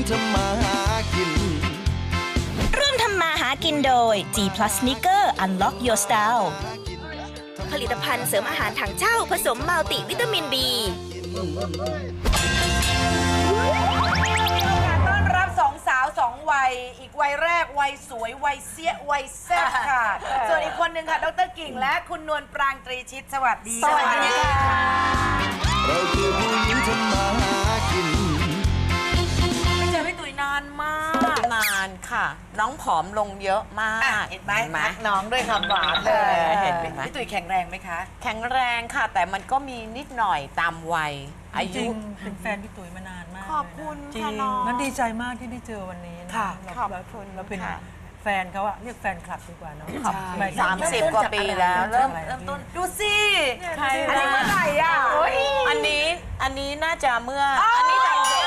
ทำมาหากินร่วมทำมาหากินโดย G Plus Sneaker Unlock Your Style ผลิตภัณฑ์เสริมอาหารถังเช่าผสมมัลติวิตามิน B ต้อนรับสองสาวสองวัยอีกวัยแรกวัยสวยวัยเสี้ยวัยแซ่บค่ะส่วนอีกคนหนึ่งค่ะดร.กิ่งและคุณนวลปรางตรีชิตสวัสดีสวัสดีค่ะเราคือผู้หญิงทำมาหากินไม่เจอพี่ตุ๋ยนานมากนานค่ะ น้องผอมลงเยอะมากเห็นไหมทักน้องด้วยคำหวานเลยเห็นไหมพี่ตุ๋ยแข็งแรงไหมคะแข็งแรงค่ะ แต่มันก็มีนิดหน่อยตามวัยอายุเป็นแฟนพี่ตุ๋ยมานานมากขอบคุณจริค่ะงน้องนั้นดีใจมากที่ได้เจอวันนี้นะค่ะเราขอบคุณเราเป็นค่ะแฟนเขาอะเรียกแฟนคลับดีกว่าเนาะ 30 กว่าปีแล้วเริ่มต้นดูสิใครอันนี้เมื่อไหร่อ่ะอันนี้น่าจะเมื่ออันนี้ตอนเด็ก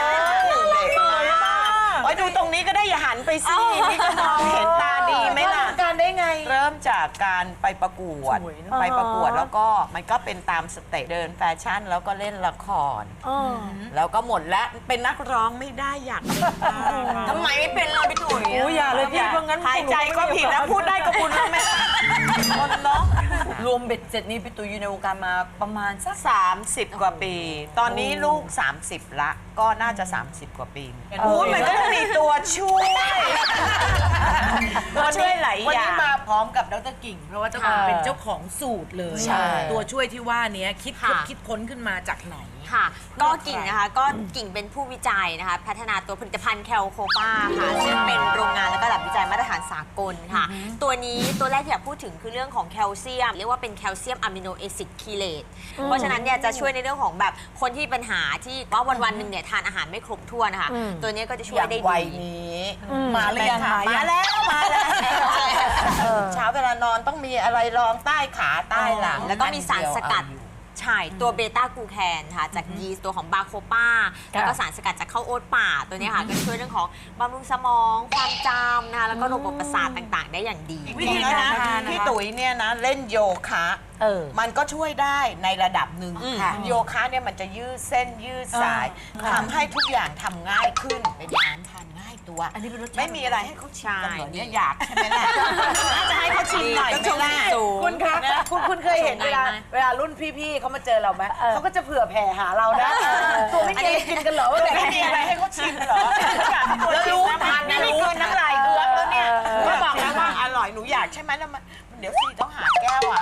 โอ้ยดูตรงนี้ก็ได้อย่าหันไปสินี่ก็มองเห็นตาดีไหมล่ะการได้ไงเริ่มจากการไปประกวดแล้วก็มันก็เป็นตามสเตจเดินแฟชั่นแล้วก็เล่นละครแล้วก็หมดแล้วเป็นนักร้องไม่ได้อยากเป็นทำไมไม่เป็นเราพี่ตุ๋ยโอ้ยอย่าเลยพี่เพราะงั้นหายใจก็ผิดแล้วพูดได้ก็บุญแล้วแม่คนเนาะรวมเบ็ดเสร็จนี้พี่ตุ๋ยอยู่ในวงการมาประมาณสัก 30 กว่าปี ตอนนี้ลูก 30 ละก็น่าจะ 30 กว่าปีโอ้ยมันก็ต้องมีตัวช่วยตัวช่วยหลายวันอย่านี้งมาพร้อมกับดร.กิ่ง เพราะว่าเจ้าของเป็นเจ้าของสูตรเลยใช่ตัวช่วยที่ว่านี้คิดค่ะค้นขึ้นมาจากไหนค่ะก็กิ่งนะคะก็กิ่งเป็นผู้วิจัยนะคะพัฒนาตัวผลิตภัณฑ์แคลโคปาค่ะซึ่งเป็นโรงงานและก็ระดับวิจัยมาตรฐานสากลค่ะ ตัวนี้ตัวแรกที่อยากพูดถึงคือเรื่องของแคลเซียมเรียกว่าเป็นแคลเซียมอะมิโนแอซิดคีเลตเพราะฉะนั้นเนี่ยจะช่วยในเรื่องของแบบคนที่ปัญหาที่ว่าวันๆหนึ่งเนี่ยทานอาหารไม่ครบถ้วนนะคะตัวนี้ก็จะช่วยได้วัยดีนี้มาหรือยังมาแล้วเช้าเวลานอนต้องมีอะไรรองใต้ขาใต้หลังแล้วก็มีสารสกัดใช่ตัวเบต้ากลูแคนค่ะจากยีสต์ตัวของบาโคป้าแล้วก็สารสกัดจากข้าวโอ๊ตป่าตัวนี้ค่ะก็ช่วยเรื่องของบำรุงสมองความจำนะคะแล้วก็ระบบประสาทต่างๆ ได้อย่างดีวิธีนะพี่ตุ๋ยเนี่ยนะเล่นโยคะมันก็ช่วยได้ในระดับหนึ่งค่ะโยคะเนี่ยมันจะยืดเส้นยืดสายทำให้ทุกอย่างทำง่ายขึ้นเป็นน้ำทานง่ายตัวไม่มีอะไรให้เขาชิมกันเหรอเนี่ยอยากใช่ไหมล่ะน่าจะให้เขาชิมหน่อยไหมล่ะคุณคะคุณเคยเห็นเวลารุ่นพี่ๆเขามาเจอเราไหมเขาก็จะเผื่อแผ่หาเรานะตัวไม่กินกินกันเหรอว่าแบบไม่มีอะไรให้เขาชิมเหรอแล้วรู้ทานนี่ไม่กินน้ำลายเอือกแล้วเนี่ยก็บอกแล้วว่าอร่อยหนูอยากใช่ไหมแล้วมันเดี๋ยวซีต้องหาแก้วอ่ะ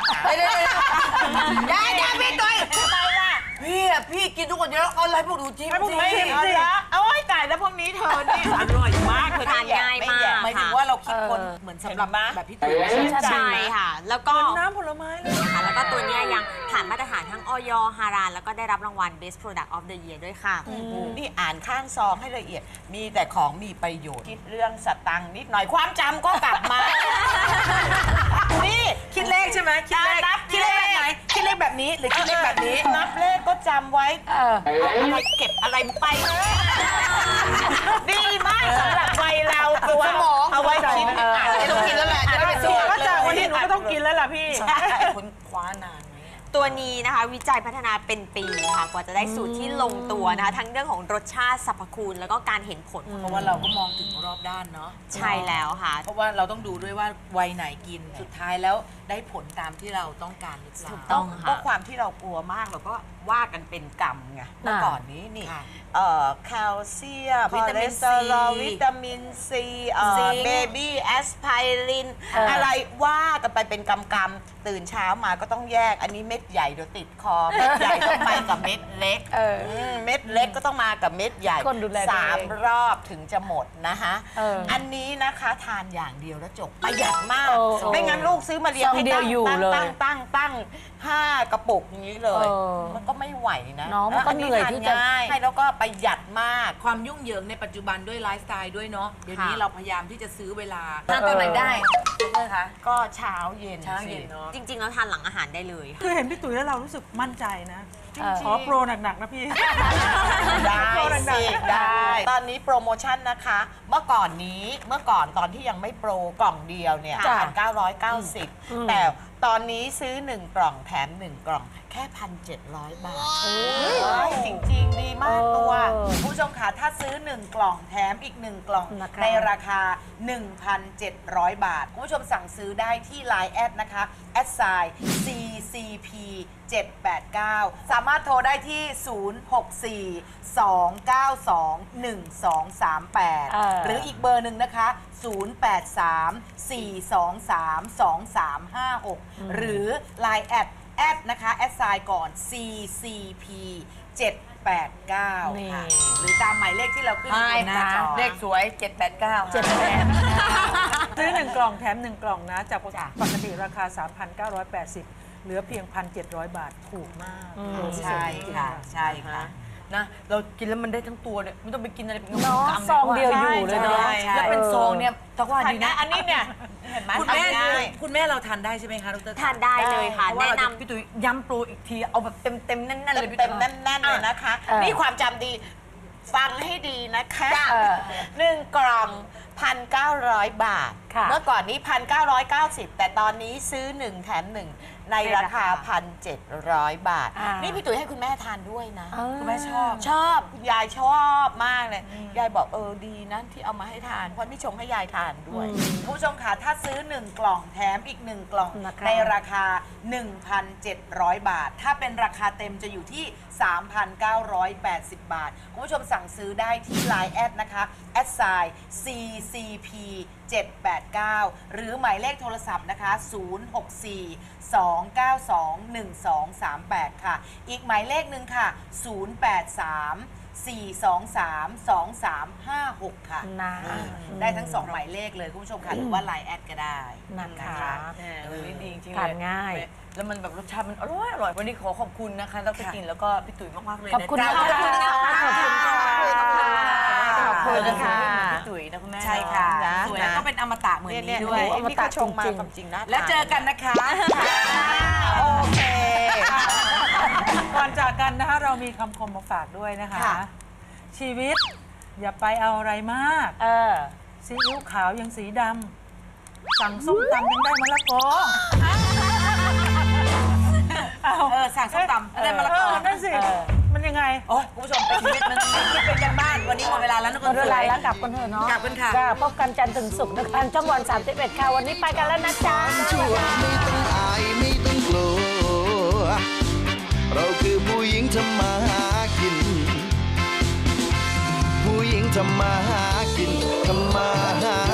ได้พี่ตุ๋ยทำไมล่ะพี่กินทุกคนเยอะเอาอะไรพวกหนูจิ้มไม่เห็นละโอ้ยตายแล้วพวกนี้เธอนี่อร่อยมากเธอทานง่ายมากหมายถึงว่าเราคิดคนเหมือนสำหรับแบบพี่ตุ๋ยใช่ค่ะ แล้วก็น้ำผลไม้เลยค่ะแล้วก็ตัวเนี้ยยังผ่านมาตรฐานทั้งออยฮารานแล้วก็ได้รับรางวัล Best Product of the Year ด้วยค่ะนี่อ่านข้างซองให้ละเอียด มีแต่ของมีประโยชน์คิดเรื่องสตังค์นิดหน่อยความจำก็กลับมา นี่คิดเลขใช่ไหมคิดเลขนับคิดเลขแบบไหนคิดเลขแบบนี้หรือคิดเลขแบบนี้นับเลขก็จำไว้อะไรเก็บอะไรไป ดีมากสำหรับวัยเราตัวเอาไว้คิดอ่านไม่ต้องกินแล้วแหละจะได้เป็นตัวก็จากวันนี้หนูก็ต้องกินแล้วล่ะพี่คุณคว้านานไหมตัวนี้นะคะวิจัยพัฒนาเป็นปีค่ะกว่าจะได้สูตรที่ลงตัวนะคะทั้งเรื่องของรสชาติสรรพคุณแล้วก็การเห็นผลเพราะว่าเราก็มองถึงรอบด้านเนาะใช่แล้วค่ะเพราะว่าเราต้องดูด้วยว่าวัยไหนกินสุดท้ายแล้วได้ผลตามที่เราต้องการหรือเปล่าถูกต้องค่ะก็ความที่เรากลัวมากเราก็ว่ากันเป็นกรรมไงเมื่อก่อนนี้นี่ค่ะแคลเซียมวิตามินคอเลสเตอรอลซีวิตามินซีซิงค์เบบี้แอสไพรินอะไรว่ากันไปเป็นกำกำตื่นเช้ามาก็ต้องแยกอันนี้เม็ดใหญ่เดี๋ยวติดคอ เม็ดใหญ่ต้องไปกับเม็ดเล็กเม็ดเล็กก็ต้องมากับเม็ดใหญ่คนดูแลตัวเอง 3 รอบถึงจะหมดนะคะอันนี้นะคะทานอย่างเดียวแล้วจบประหยัดมาก ไม่งั้นลูกซื้อมาเรียงให้ตั้ง5 กระปุกอย่างนี้เลย มันก็ไม่ไหวนะน้องมันก็เหนื่อยที่จะง่ายให้แล้วก็ประหยัดมากความยุ่งเหยิงในปัจจุบันด้วยไลฟ์สไตล์ด้วยเนาะเดี๋ยวนี้ค่ะเราพยายามที่จะซื้อเวลาทานตอนไหนได้ใช่คะก็เช้าเย็นเช้าเย็นเนาะจริงๆแล้วทานหลังอาหารได้เลยคือเห็นพี่ตุ๋ยแล้วเรารู้สึกมั่นใจนะ ขอโปรหนักๆนะพี่ได้สิได้ ตอนนี้โปรโมชั่นนะคะ เมื่อก่อนตอนที่ยังไม่โปรกล่องเดียวเนี่ยค่ะ 1,990 แต่ตอนนี้ซื้อ 1 กล่องแถม 1 กล่องแค่ 1,700 บาทจริงๆ ดีมากตัวผู้ชชมค่ะถ้าซื้อ 1 กล่องแถมอีก 1 กล่องในราคา 1,700 บาทคุณผู้ชมสั่งซื้อได้ที่ Line แอดนะคะแอดไซน์ CCP 789 สามารถโทรได้ที่ 064-292-1238 หรืออีกเบอร์หนึ่งนะคะ 083-423-2356 หรือ Line แอดนะคะแอดไซน์ก่อน CCP 789 ค่ะหรือตามหมายเลขที่เราขึ้นอยู่บนหน้าจอเลขสวย 789 ซื้อ 1 กล่องแถม 1 กล่องนะ จากปกติราคา 3,980 เหลือเพียง 1,700 บาทถูกมากใช่ค่ะ ใช่ค่ะนะเรากินแล้วมันได้ทั้งตัวเนี่ยไม่ต้องไปกินอะไรเป็นเนาะกำซองเดียวอยู่เลยเนาะใช่ใช่แล้วเป็นซองเนี่ยทักว่าดีนะอันนี้เนี่ยเห็นไหมคุณแม่ทำง่ายคุณแม่เราทานได้ใช่ไหมคะดรทานได้เลยค่ะเพราะว่าแนะเรานำพี่ตุ้ยย้ำโปรอีกทีเอาแบบเต็มๆแน่นๆเลยพี่เต็ตุ้มยๆแน่นๆเลยนะคะ นี่ความจำดีฟังให้ดีนะคะ1 กล่อง 1,900 บาท เมื่อก่อนนี้ 1,990 แต่ตอนนี้ซื้อ 1 แถม 1 ในราคา 1,700 บาท นี่พี่ตุ๋ยให้คุณแม่ทานด้วยนะคุณแม่ชอบชอบคุณยายชอบมากเลย ยายบอกดีนะที่เอามาให้ทาน เพราะนี่ชงให้ยายทานด้วยคุณผู้ชมค่ะถ้าซื้อ 1 กล่องแถมอีก 1 กล่องในราคา 1,700 บาท ถ้าเป็นราคาเต็มจะอยู่ที่ 3,980 บาท คุณผู้ชมสั่งซื้อได้ที่ Line แอดนะคะแอดไซน์ CCP 789 หรือหมายเลขโทรศัพท์นะคะ 064-292-1238 ค่ะ อีกหมายเลขหนึ่งค่ะ 083-423-2356 ค่ะได้ทั้ง 2 หมายเลขเลย คุณผู้ชมค่ะ หรือว่า Line แอดก็ได้นะคะนี่ดีจริงๆทานง่ายแล้วมันแบบรสชาติมันอร่อยวันนี้ขอขอบคุณนะคะดรกินแล้วก็พี่ตุ๋ยมากๆเลยนะขอบคุณจ๊ะค่ะขอบคุณค่ะขอบคุณค่ะพี่ตุ๋ยนะคุณแม่ใช่ค่ะนะสวยแล้วก็เป็นอมตะเหมือนนี้ด้วยอันนี้ก็ชงมาความจริงนะแล้วเจอกันนะคะโอเคก่อนจากกันนะคะเรามีคำคมมาฝากด้วยนะคะค่ะชีวิตอย่าไปเอาอะไรมากซีอิ๊วขาวยังสีดำสั่งส้มตำยังได้มะละกอสั่งส้มตำได้มะละกอนั่นสิ มันยังไงโอ้ยคุณผู้ชมไปชีวิตมันคิดเป็นกันบ้าน วันนี้หมดเวลาแล้วนะคุณหมดเวลาแล้วกลับกันเถอะเนาะกลับกันค่ะจ้าพบกันจันทร์ถึงศุกร์นะคะทางช่องวัน 31 ค่ะ วันนี้ไปกันแล้วนะจ๊ะชั่วไม่ต้องอายไม่ต้องกลัว เราคือผู้หญิงทำมาหากิน ผู้หญิงทำมาหากินทำมาหา